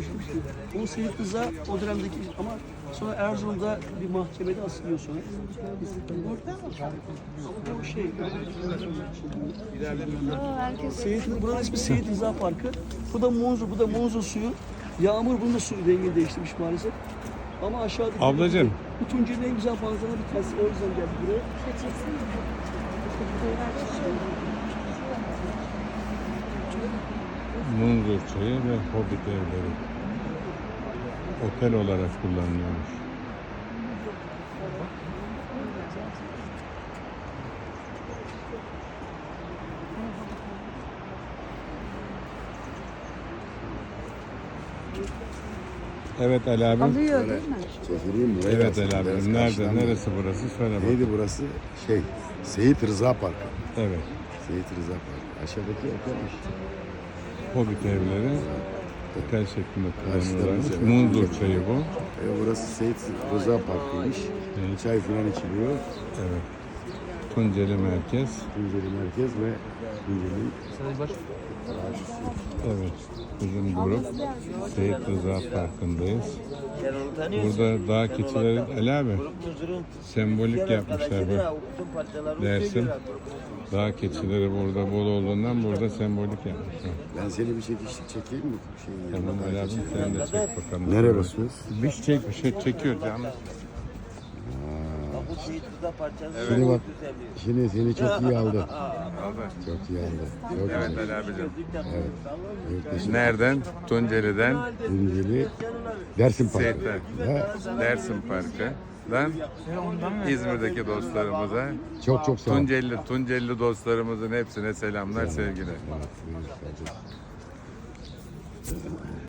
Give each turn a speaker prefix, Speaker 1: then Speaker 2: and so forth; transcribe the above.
Speaker 1: geçmişti. O Seyit Rıza o dönemdeki ama sonra Erzurum'da bir mahkemede asılıyor sonra. Ama bu şey. Buranın ismi Seyit Rıza Parkı. Bu da Munzur suyu. Yağmur bunun da suyu rengini değiştirmiş maalesef. Ama aşağıda
Speaker 2: Ablacığım.
Speaker 1: bu Tunceli'nin en güzel manzaralı bir tanesi. O yüzden geldik buraya.
Speaker 2: Munzur Çayı ve Hobbit evleri. Otel olarak kullanılıyormuş. Evet Ali abi.
Speaker 3: Alıyor değil mi?
Speaker 4: Çekileyim mi?
Speaker 2: Evet Ali abi. Nerede? Neresi burası? Söyle bak.
Speaker 4: Neydi burası? Seyit Rıza Parkı.
Speaker 2: Evet.
Speaker 4: Seyit Rıza Parkı. Aşağıdaki otelmiş.
Speaker 2: Hobbit evleri otel şeklinde kullanıyorlarmış.
Speaker 4: Karşıda
Speaker 2: Munzur Çayı bu.
Speaker 4: Burası Seyit Rıza Parkı'ymış.
Speaker 2: Evet.
Speaker 4: Çay falan içiliyor.
Speaker 2: Evet. Tunceli merkez.
Speaker 4: Tunceli merkez ve Tunceli.
Speaker 2: Evet. Bizim grup Seyit Rıza Parkı'ndayız. Burada dağ keçileri Ali abi sembolik yapmışlar bu Dersim. Dağ keçileri burada bol olduğundan burada sembolik yapmışlar.
Speaker 4: Ben seni bir çekişlik çekeyim mi?
Speaker 2: Tamam Ali abi sen de çek bakalım.
Speaker 4: Nereye basıyoruz?
Speaker 2: Bir şey çekiyor canım.
Speaker 4: Şimdi bak, şimdi seni çok iyi aldı. Çok iyi aldı. Çok
Speaker 2: Evet
Speaker 4: güzel.
Speaker 2: Ali abicim.
Speaker 4: Evet. Evet,
Speaker 2: Nereden? Tunceli'den
Speaker 4: Tunceli Dersim Parkı.
Speaker 2: Seyit'ten.
Speaker 4: Ha,
Speaker 2: Dersim Parkı'dan İzmir'deki dostlarımıza,
Speaker 4: çok çok sağ ol.
Speaker 2: Tunceli dostlarımızın hepsine selamlar, sevgiler.
Speaker 4: Evet, buyur kardeşim.